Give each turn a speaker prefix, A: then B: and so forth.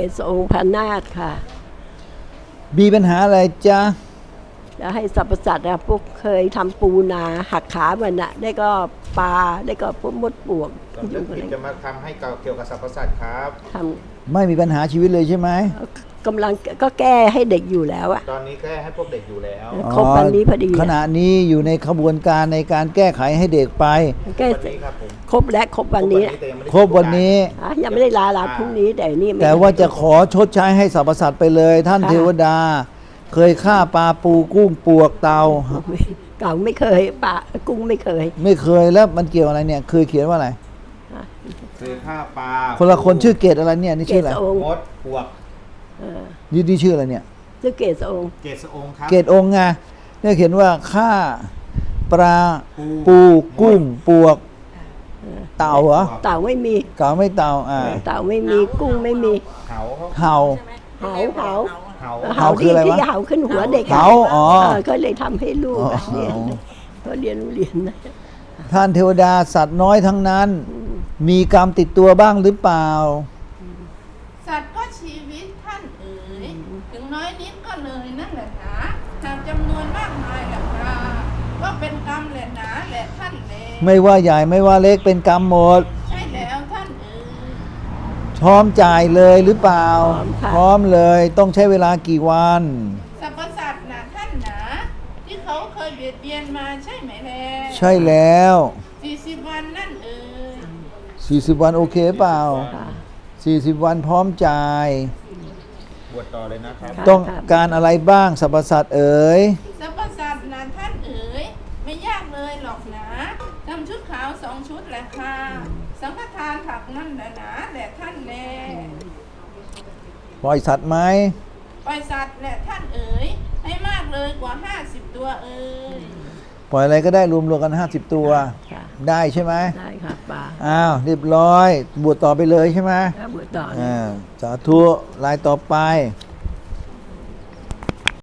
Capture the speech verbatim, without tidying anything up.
A: ศองค์พระนาคค่ะ
B: มีปัญหาอะไรจ๊ะ
A: จะให้สรรพสัตว์นะพวกเคยทำปูนาหักขามันนะได้ก็ปลาได้ก็พวกมดปลวก
C: สำนึกผิดจะมาทำให้เกี่ยวกับสรรพสัตว์ครับ
A: ท
B: ำไม่มีปัญหาชีวิตเลยใช่ไหม
A: กำลังก็แก้ให้เด็กอยู่แล้วอะ
C: ตอนนี้แก้ให้พวกเด็กอยู่แล้ว
A: ครบวันนี้พอดี
B: ขณะนี้อยู่ในขบวนการในการแก้ไขให้เด็กไป
A: แก้ครบและครบวันนี้
B: ครบวันนี้
A: ยังไม่ได้ลาลาพรุ่งนี้แต่นี่
B: แต่ว่าจะขอชดใช้ให้สรรพสัตว์ไปเลยท่านเทวดาเคยฆ่าปลาปูกุ้งปวกเต่า
A: เก่าไม่เคยปลากุ้งไม่เคย
B: ไม่เคยแล้วมันเกี่ยวอะไรเนี่ยเคยเขียนว่าอะไร
C: เคยฆ่าปลา
B: คนละคนชื่อเกตอะไรเนี่ยนี่ชื่ออะไร
C: มดปวก
B: นี่นี่ชื่ออะไรเนี่ย
A: ชื่อเกตองค์
C: เกตองค์ครับ
B: เกตองค์ไงเนี่ยเขียนว่าฆ่าปลาปูกุ้งปวกเต่าเหรอ
A: เต่าไม่มี
B: เต่าไม่เต่าอ่า
A: เต่าไม่มีกุ้งไม่มี
C: เห่า
B: เห่า
A: เห่าเห่า
B: เห่าคืออะไรวะ
A: เห่าขึ้นหัวเด็ก
B: เห่าอ๋อ
A: ก็เลยทำให้ลูกเรียนเขาเรียนเรียนนะ
B: ท่านเทวดาสัตว์น้อยทั้งนั้นมีกรรมติดตัวบ้างหรือเปล่า
D: สัตว์ก็ชีวิตท่านเอ๋ยถึงน้อยนิดก็เลยนั่นแหละหนาหากจำนวนมากมายแหละค่ะก็เป็นกรรมแหละหนาแหละท่านเอ๋ย
B: ไม่ว่าใหญ่ไม่ว่าเล็กเป็นกรรมหมด
D: ใช่แล้วท่านเอ๋ย
B: พร้อมจ่ายเลยหรือเปล่าพร้อมเลยต้องใช้เวลากี่วัน
D: สรรพสัตว์นะท่านหนาที่เขาเคยเบียดเบียนมาใช่ไหมแล
B: ใช่แล้ว
D: สี่สิบวันนั่นเอ๋ย
B: สี่สิบวันโอเคเปล่าสี่สิบวันพร้อมจ่าย
C: บวชต่อเลยนะครับ
B: ต้องการอะไรบ้างสรรพสัตว์เอ๋ย
D: สรรพสัตว์นะท่านเอ๋ยไม่ยากเลยหรอกนะนำชุดขาวสองชุดแหละค่ะสังฆทานผักนั่นแหละนะแหละท่านแล
B: ปล่อยสัตว์ไหม
D: ปล่อยสัตว์แหละท่านเอ๋ยให้มากเลยกว่าห้าสิบตัวเอ๋ย
B: ปล่อยอะไรก็ได้รวมรวมกันห้าสิบตัวได้ใช่ไหม
A: ได้ค่ะป้า
B: อ้าวเรียบร้อยบวชต่อไปเลยใช่ไหม
A: บวชต่อ
B: อ่าสาธุรายต่อไป